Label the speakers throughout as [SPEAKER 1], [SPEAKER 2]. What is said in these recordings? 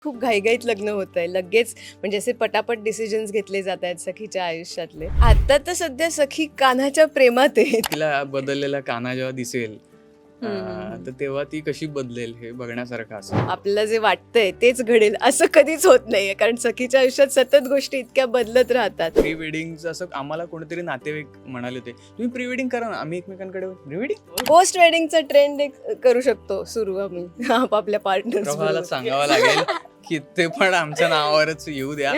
[SPEAKER 1] खूप घाईघाईत लग्न होत आहे लगेच, म्हणजे असे पटापट डिसिजन्स घेतले जात आहेत सखीच्या आयुष्यातले. आता तर सध्या सखी कान्हाच्या प्रेमात आहे.
[SPEAKER 2] तिला बदललेला कान्हा जेव्हा दिसेल
[SPEAKER 1] हम्म.
[SPEAKER 2] तर तेव्हा ती कशी बदलेल हे बघण्यासारखं असं.
[SPEAKER 1] आपल्याला जे वाटतंय तेच घडेल असं कधीच होत नाहीये, कारण सखीच्या आयुष्यात सतत गोष्टी इतक्या बदलत राहतात.
[SPEAKER 2] प्री वेडिंगचं असं आम्हाला कोणीतरी नातेवाईक म्हणाले होते, तुम्ही प्री वेडिंग करा ना, आम्ही एकमेकांकडे प्री वेडिंग.
[SPEAKER 1] पोस्ट वेडिंगचा ट्रेंड एक करू शकतो सुरू आम्ही आपापल्या
[SPEAKER 2] प्रभाला
[SPEAKER 1] पार्टनर्स.
[SPEAKER 2] सांगावं लागेल की ते पण आमच्या नावावरच येऊ द्या.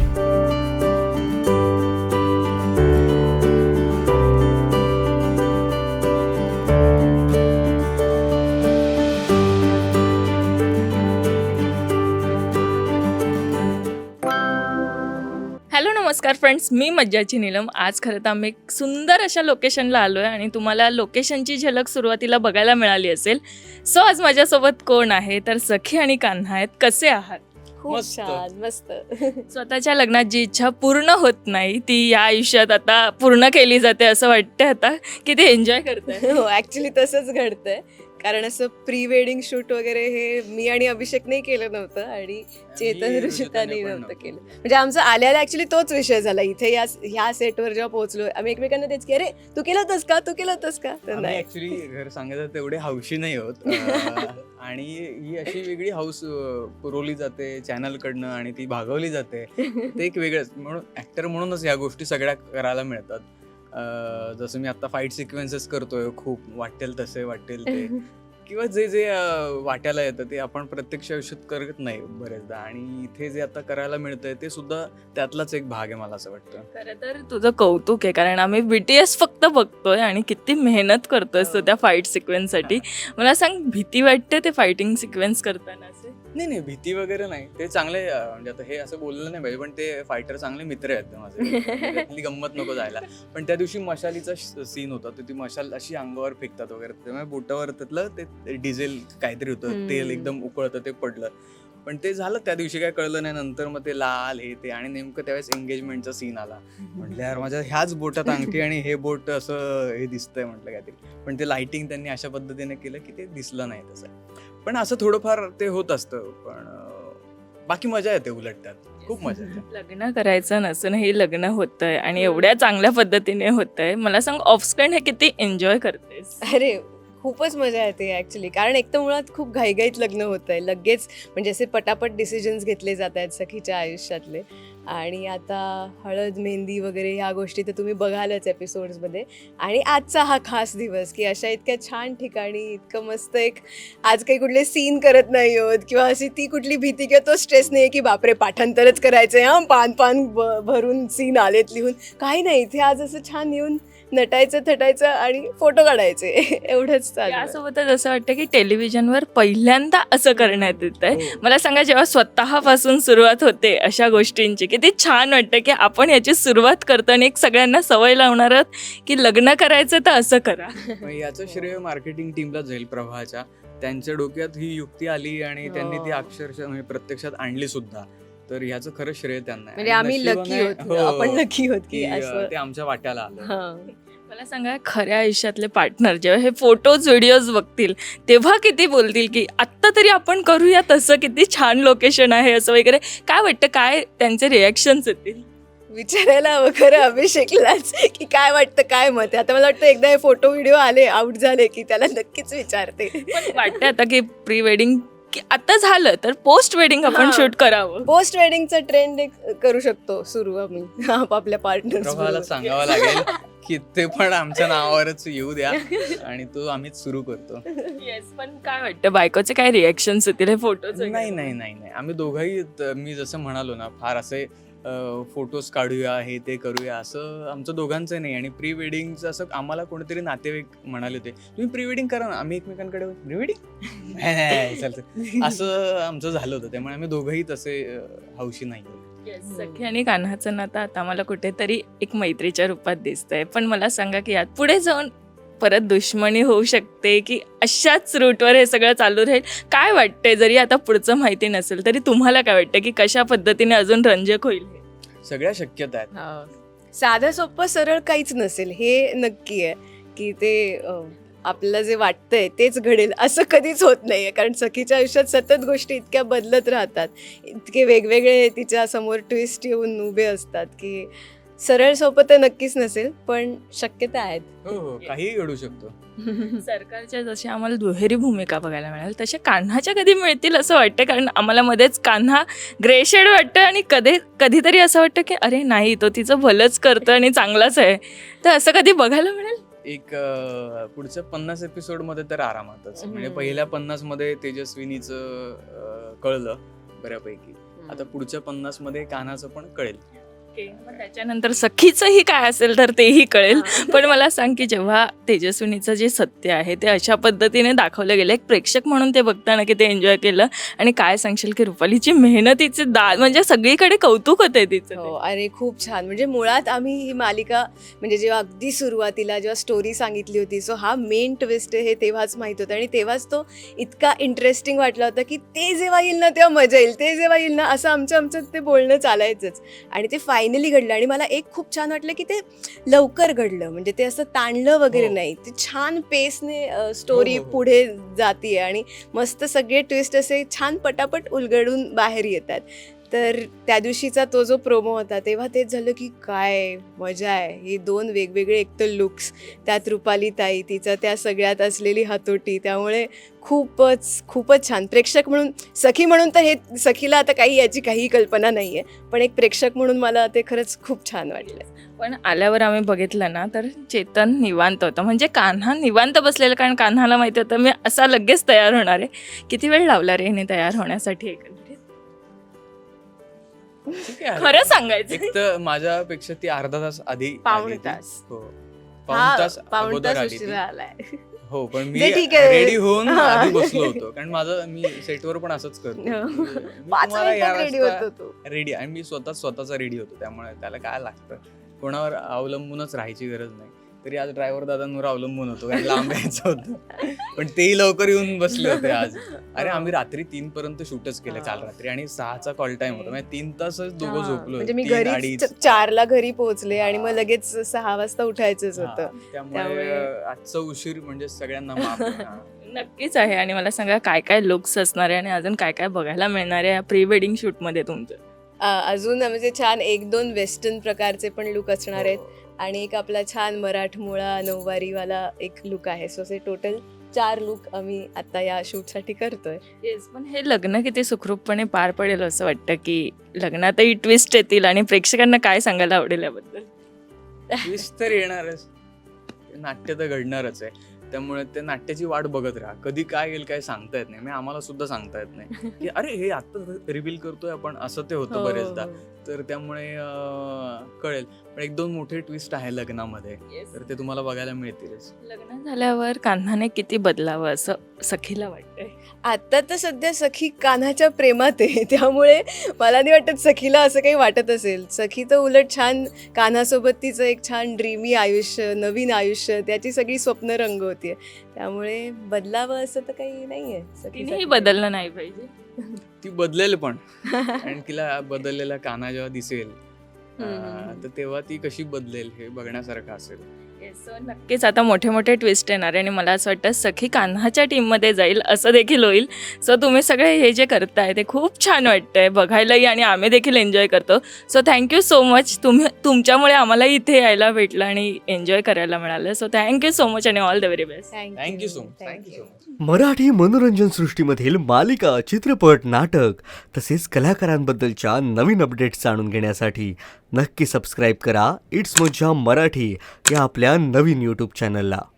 [SPEAKER 3] हॅलो नमस्कार फ्रेंड्स, मी मज्जाची नीलम. आज खरं तर आम्ही एक सुंदर अशा लोकेशनला आलो आहे आणि तुम्हाला लोकेशनची झलक सुरुवातीला बघायला मिळाली असेल. सो आज माझ्यासोबत कोण आहे तर सखी आणि कान्हा आहेत. कसे आहात?
[SPEAKER 1] खूप
[SPEAKER 2] मस्त.
[SPEAKER 1] छान, मस्त.
[SPEAKER 3] स्वतःच्या लग्नात जी इच्छा पूर्ण होत नाही ती या आयुष्यात आता पूर्ण केली जाते असं वाटतं आता की ते एन्जॉय करताय.
[SPEAKER 1] हो, ऍक्च्युली तसंच घडतंय. कारण असं प्री वेडिंग शूट वगैरे हे मी आणि अभिषेकने केलं नव्हतं आणि चेतन ऋषिताने नव्हतं केलं. म्हणजे आमचं आल्याला ऍक्च्युली तोच विषय झाला. इथे ह्या सेटवर जेव्हा पोहोचलो आम्ही एकमेकांना तेच की अरे तू केलं होतंस का, तू केलं होतंस का, तर नाही.
[SPEAKER 2] ऍक्च्युली घर सांगायचं तेवढे हौशी नाही होत. आणि ही अशी वेगळी हाऊस पुरवली जाते चॅनल कडनं आणि ती भागवली जाते. ते एक वेगळंच म्हणून ऍक्टर म्हणूनच या गोष्टी सगळ्या करायला मिळतात. जसं मी आता फाईट सिक्वेन्सेस करतोय, खूप वाटेल तसे वाटेल ते किंवा जे जे वाट्याला येतं ते आपण प्रत्यक्ष आयुष्यात करत नाही बरेचदा, आणि इथे जे आता करायला मिळतंय ते सुद्धा त्यातलाच एक भाग आहे मला असं वाटतं.
[SPEAKER 3] खरं तर तुझं कौतुक आहे, कारण आम्ही BTS फक्त बघतोय आणि किती मेहनत करतोय तू त्या फाईट सिक्वेन्ससाठी. मला सांग, भीती वाटते ते फायटिंग सिक्वेन्स करताना? असे
[SPEAKER 2] नाही भीती वगैरे नाही, ते चांगले म्हणजे आता हे असं बोललं नाही पाहिजे, पण ते फायटर चांगले मित्र आहेत माझे. म्हणजे त्यातली गंमत नको जायला. पण त्या दिवशी मशालीचा सीन होता, तर ती मशाल अशी अंगावर फेकतात वगैरे, त्यामुळे बोटावर त्यातलं ते डिझेल काहीतरी होतं, तेल एकदम उकळतं, ते पडलं. पण ते झालं त्या दिवशी, काय कळलं नाही. नंतर मग ते लाल हे ते, आणि नेमकं त्यावेळेस एंगेजमेंटचा सीन आला. म्हटलं यार माझ्या ह्याच बोटात अंगठी आणि हे बोट असं हे दिसतंय म्हटलं काहीतरी. पण ते लाइटिंग त्यांनी अशा पद्धतीने केलं की ते दिसलं नाही तसं. पण असं थोडंफार ते होत असतं, पण बाकी मजा येते उलट त्यात, खूप मजा येते.
[SPEAKER 3] लग्न करायचं नसून हे लग्न होतंय आणि एवढ्या चांगल्या पद्धतीने होतंय. मला सांग, ऑफस्क्रीन हे किती एन्जॉय करतेस?
[SPEAKER 1] अरे खूपच मजा येते ऍक्च्युली, कारण एक तर मुळात खूप घाईघाईत लग्न होत आहे लगेच, म्हणजे असे पटापट डिसिजन्स घेतले जात आहेत सखीच्या आयुष्यातले. आणि आता हळद मेहंदी वगैरे ह्या गोष्टी तर तुम्ही बघालच एपिसोड्समध्ये. आणि आजचा हा खास दिवस की अशा इतक्या छान ठिकाणी इतकं मस्त एक, आज काही कुठले सीन करत नाही आहोत किंवा अशी ती कुठली भीती किंवा तो स्ट्रेस नाही की बापरे पाठांतरच करायचंय, पान भरून सीन आलेत लिहून, काही नाही. इथे आज असं छान येऊन नटायचं थटायचं आणि फोटो काढायचे एवढंच चालू आहे.
[SPEAKER 3] यासोबतच असं वाटतं की टेलिव्हिजनवर पहिल्यांदा असं करण्यात येत आहे.
[SPEAKER 2] हो.
[SPEAKER 3] मला सांगा, जेव्हा स्वतःपासून सुरुवात होते अशा गोष्टींची, किती छान वाटतं की आपण याची सुरुवात करतो आणि एक सगळ्यांना सवय लावणार आहोत की लग्न करायचं तर असं करा.
[SPEAKER 2] मग याचं श्रेय मार्केटिंग टीमला जाईल, प्रभाच्या. त्यांच्या डोक्यात ही युक्ती आली आणि त्यांनी ती अक्षरशः म्हणजे प्रत्यक्षात आणली सुद्धा. तर ह्याचं खरं श्रेय त्यांना आहे.
[SPEAKER 1] म्हणजे
[SPEAKER 2] आणि
[SPEAKER 1] आम्ही लकी
[SPEAKER 2] नशिबाने-
[SPEAKER 1] होत, आपण लकी होत की
[SPEAKER 2] की,
[SPEAKER 1] असं.
[SPEAKER 2] ते आमच्या वाट्याला आलं.
[SPEAKER 1] हां.
[SPEAKER 3] मला सांगा, खऱ्या आयुष्यातले पार्टनर जेव्हा हे फोटोज व्हिडिओज बघतील तेव्हा किती बोलतील की आत्ता तरी आपण करूया तसं, किती छान लोकेशन आहे असं वगैरे. काय वाटतं, काय त्यांचे रिॲक्शन्स येतील?
[SPEAKER 1] विचारायला हवं खरं अभिषेकलाच की काय वाटतं, काय मत आहे. आता मला वाटतं एकदा हे फोटो व्हिडिओ आले आउट झाले की त्याला नक्कीच विचारते.
[SPEAKER 3] पण वाटतं आता की प्री वेडिंग की आता झालं तर पोस्ट वेडिंग आपण
[SPEAKER 1] हां.
[SPEAKER 3] शूट करावं.
[SPEAKER 1] पोस्ट वेडिंगचा ट्रेंड एक करू शकतो सुरू आम्ही आपापल्या
[SPEAKER 2] प्रभाला
[SPEAKER 1] पार्टनर्स.
[SPEAKER 2] सांगावं लागेल की ते पण आमच्या नावावरच येऊ द्या, आणि तो आम्हीच सुरू करतो.
[SPEAKER 3] येस, पण काय वाटतं बायकोचे काय रिॲक्शन्स येतील हे फोटोज?
[SPEAKER 2] नाही आम्ही दोघंही मी जसं म्हणालो ना, फार असे फोटोज काढूया हे ते करूया असं आमचं दोघांचं नाही. आणि प्री वेडिंगचं असं आम्हाला कोणीतरी नातेवाईक म्हणाले होते, तुम्ही प्री वेडिंग करा ना, आम्ही एकमेकांकडे प्री वेडिंग नाही चालतं, असं आमचं झालं होतं. त्यामुळे आम्ही दोघंही तसे हौशी नाही.
[SPEAKER 3] सखी आणि कान्हाचं नातं आता मला कुठेतरी एक मैत्रीच्या रूपात दिसतंय. पण मला सांगा की यात पुढे जाऊन परत दुश्मनी होऊ शकते की अशाच रूटवर हे सगळं चालू राहील? काय वाटतंय, जरी आता पुढचं माहिती नसेल तरी तुम्हाला काय वाटतं की कशा पद्धतीने अजून रंजक होईल हे?
[SPEAKER 2] सगळ्या शक्यता आहेत.
[SPEAKER 1] साधं सोपं सरळ काहीच नसेल हे नक्की आहे की ते आपल्याला जे वाटतंय तेच घडेल असं कधीच होत नाही आहे. कारण सखीच्या आयुष्यात सतत गोष्टी इतक्या बदलत राहतात, इतके वेगवेगळे तिच्या समोर ट्विस्ट येऊन उभे असतात की सरळ सोपं तर नक्कीच नसेल, पण शक्यता आहेत.
[SPEAKER 2] हो, काहीही घडू शकतो.
[SPEAKER 3] सरकारच्या जशी आम्हाला दुहेरी भूमिका बघायला मिळाल तशा कान्हाच्या कधी मिळतील असं वाटतं, कारण आम्हाला मध्येच कान्हा ग्रे शेड वाटतं आणि कधीतरी असं वाटतं की अरे नाही, तो तिचं भलंच करतं आणि चांगलाच आहे. तर असं कधी बघायला मिळेल?
[SPEAKER 2] एक पुढच्या 50 एपिसोडमध्ये तर आरामातच. म्हणजे
[SPEAKER 1] हम्म.
[SPEAKER 2] पहिल्या 50 मध्ये तेजस्विनीचं कळलं बऱ्यापैकी. आता पुढच्या 50 मध्ये कान्हाचं पण कळेल.
[SPEAKER 3] मग त्याच्यानंतर सखीचंही काय असेल तर तेही कळेल. पण मला सांग की जेव्हा तेजस्विनीचं जे सत्य आहे ते अशा पद्धतीने दाखवलं गेलं, एक प्रेक्षक म्हणून ते बघताना की ते एन्जॉय केलं, आणि काय सांगशील की रुपालीची मेहनतीचे दाद म्हणजे सगळीकडे कौतुक होते तिचं
[SPEAKER 1] हो,
[SPEAKER 3] ते.
[SPEAKER 1] अरे खूप छान. म्हणजे मुळात आम्ही ही मालिका म्हणजे जेव्हा अगदी सुरुवातीला जेव्हा स्टोरी सांगितली होती, सो हा मेन ट्विस्ट हे तेव्हाच माहीत होतं आणि तेव्हाच तो इतका इंटरेस्टिंग वाटला होता की ते जेव्हा येईल ना तेव्हा मजा येईल, ते जेव्हा येईल ना, असं आमचं ते बोलणं चालायचंच. आणि ते फायनली घडलं आणि मला एक खूप छान वाटलं की ते लवकर घडलं. म्हणजे ते असं ताणलं वगैरे
[SPEAKER 2] हो.
[SPEAKER 1] नाही, ते छान पेसने स्टोरी
[SPEAKER 2] हो, हो.
[SPEAKER 1] पुढे जातीये आणि मस्त सगळे ट्विस्ट असे छान पटापट उलगडून बाहेर येतात. तर त्या दिवशीचा तो जो प्रोमो होता तेव्हा तेच झालं की काय मजा आहे. हे 2 वेगवेगळे एकतर लुक्स, त्यात रुपाली ताई, तिचं त्या सगळ्यात असलेली हातोटी, त्यामुळे खूपच छान. प्रेक्षक म्हणून, सखी म्हणून तर हे सखीला आता याची काही कल्पना नाही आहे, पण एक प्रेक्षक म्हणून मला ते खरंच खूप छान वाटलं.
[SPEAKER 3] पण आल्यावर आम्ही बघितलं ना तर चेतन निवांत होतं, म्हणजे कान्हा निवांत बसलेला, कारण कान्हाला माहिती होतं मी असा लगेच तयार होणार आहे. किती वेळ लावला रे हिने तयार होण्यासाठी एकंदरीत?
[SPEAKER 2] ठीक आहे.
[SPEAKER 3] खरं सांगायचं
[SPEAKER 2] एक तर माझ्यापेक्षा ती अर्धा तास आधी
[SPEAKER 1] पाऊण
[SPEAKER 2] आली होती.
[SPEAKER 1] तास.
[SPEAKER 2] हो,
[SPEAKER 1] हा,
[SPEAKER 2] पाऊण तास
[SPEAKER 1] पाऊण
[SPEAKER 2] अगोदर
[SPEAKER 1] तास
[SPEAKER 2] आली ती.
[SPEAKER 1] उशिरा आलाय.
[SPEAKER 2] हो, पण मी
[SPEAKER 1] ते ठीक आहे.
[SPEAKER 2] रेडी होऊन
[SPEAKER 1] हा.
[SPEAKER 2] आधी बसलो होतो, कारण मी सेटवर पण असंच करतो.
[SPEAKER 1] हो.
[SPEAKER 2] मी
[SPEAKER 1] 5
[SPEAKER 2] तुम्हाला या
[SPEAKER 1] मिनिटात रेडी
[SPEAKER 2] वाजता
[SPEAKER 1] होतो तो.
[SPEAKER 2] रेडी, आणि मी स्वतःचा रेडी होतो, त्यामुळे त्याला काय लागतं, कोणावर अवलंबूनच राहायची गरज नाही. तरी आज ड्रायव्हर दादांवर अवलंबून होतो, कारण लांब यायचं होतं. पण तेही लवकर येऊन बसले होते आज. अरे आम्ही रात्री 3 पर्यंत शूटच केलं काल रात्री, आणि 6चा कॉल टाइम होता, म्हणजे 3 तासच दोघं
[SPEAKER 1] हा,
[SPEAKER 2] झोपलो.
[SPEAKER 1] म्हणजे मी
[SPEAKER 2] 3,
[SPEAKER 1] घरी
[SPEAKER 2] 2:30.
[SPEAKER 1] 4ला घरी पोहोचले आणि मग लगेच 6 वाजता उठायचंच
[SPEAKER 2] हा,
[SPEAKER 1] होतं.
[SPEAKER 2] त्यामुळे
[SPEAKER 1] त्यामुळे-
[SPEAKER 2] आजचा उशीर म्हणजे सगळ्यांना माफ आहे. हा.
[SPEAKER 3] नक्कीच आहे. आणि मला सांगा काय काय लुक्स असणार आहे आणि अजून काय काय बघायला मिळणार आहे या प्री वेडिंग शूटमध्ये तुमचं?
[SPEAKER 1] अजून म्हणजे छान 1-2 वेस्टर्न प्रकारचे पण लुक असणार आहेत,
[SPEAKER 2] हो.
[SPEAKER 1] आणि एक आपला छान मराठमोळा नऊवारीवाला एक लुक आहे. सो असे टोटल 4 लुक आम्ही आता या शूटसाठी करतोय.
[SPEAKER 3] येस, पण हे लग्न किती सुखरूपपणे पार पडेल असं वाटतं की लग्नातही ट्विस्ट येतील, आणि प्रेक्षकांना काय सांगायला आवडेल याबद्दल?
[SPEAKER 2] ट्विस्ट तर येणारच, नाट्य तर घडणारच आहे, त्यामुळे ते नाट्याची वाट बघत राहा. कधी काय येईल काय सांगता येत नाही. म्हणजे आम्हाला सुद्धा सांगता येत नाही की अरे हे आता रिव्हील करतोय आपण, असं ते होतं बरेचदा. तर त्यामुळे कळेल. पण 1-2 मोठे ट्विस्ट आहे लग्नामध्ये, तर ते तुम्हाला बघायला मिळतीलच.
[SPEAKER 3] लग्न झाल्यावर कान्हाने किती बदलावं असं सखीला वाटतंय?
[SPEAKER 1] आता तर सध्या सखी कान्हाच्या प्रेमात आहे, त्यामुळे मला नाही वाटत सखीला असं काही वाटत असेल. सखी तर उलट छान कान्हासोबत तिचं एक छान ड्रीमी आयुष्य, नवीन आयुष्य, त्याची सगळी स्वप्न रंगवतीये. त्यामुळे बदलावं असं तर काही नाहीये
[SPEAKER 3] तिनेही
[SPEAKER 1] सखीसाठी.
[SPEAKER 3] बदललं नाही पाहिजे.
[SPEAKER 2] ती बदलेल पण, आणि तिला बदललेला कान्हा जेव्हा दिसेल तर तेव्हा ती कशी बदलेल हे बघण्यासारखं असेल.
[SPEAKER 3] सो नक्कीच आता मोठे मोठे ट्विस्ट येणार आहे, आणि मला असं वाटतं सखी कान्हाच्या टीममध्ये जाईल असं देखील होईल. सो तुम्ही सगळे हे जे करताय ते खूप छान वाटतंय बघायलाही, आणि आम्ही देखील एन्जॉय करतो. So thank you so much. तुमच्यामुळे आम्हालाही इथे यायला भेटलं आणि एन्जॉय करायला मिळालं. सो थँक्यू सो मच आणि all the very best.
[SPEAKER 2] Thank you so much. Thank you so much.
[SPEAKER 4] Marathi मनोरंजन सृष्टीमधील मालिका, चित्रपट, नाटक तसेच कलाकारांबद्दलच्या नवीन अपडेट्स जाणून घेण्यासाठी नक्की सबस्क्राईब करा इट्स मज्जा मराठी या आपल्या नवीन यूट्यूब चॅनलला.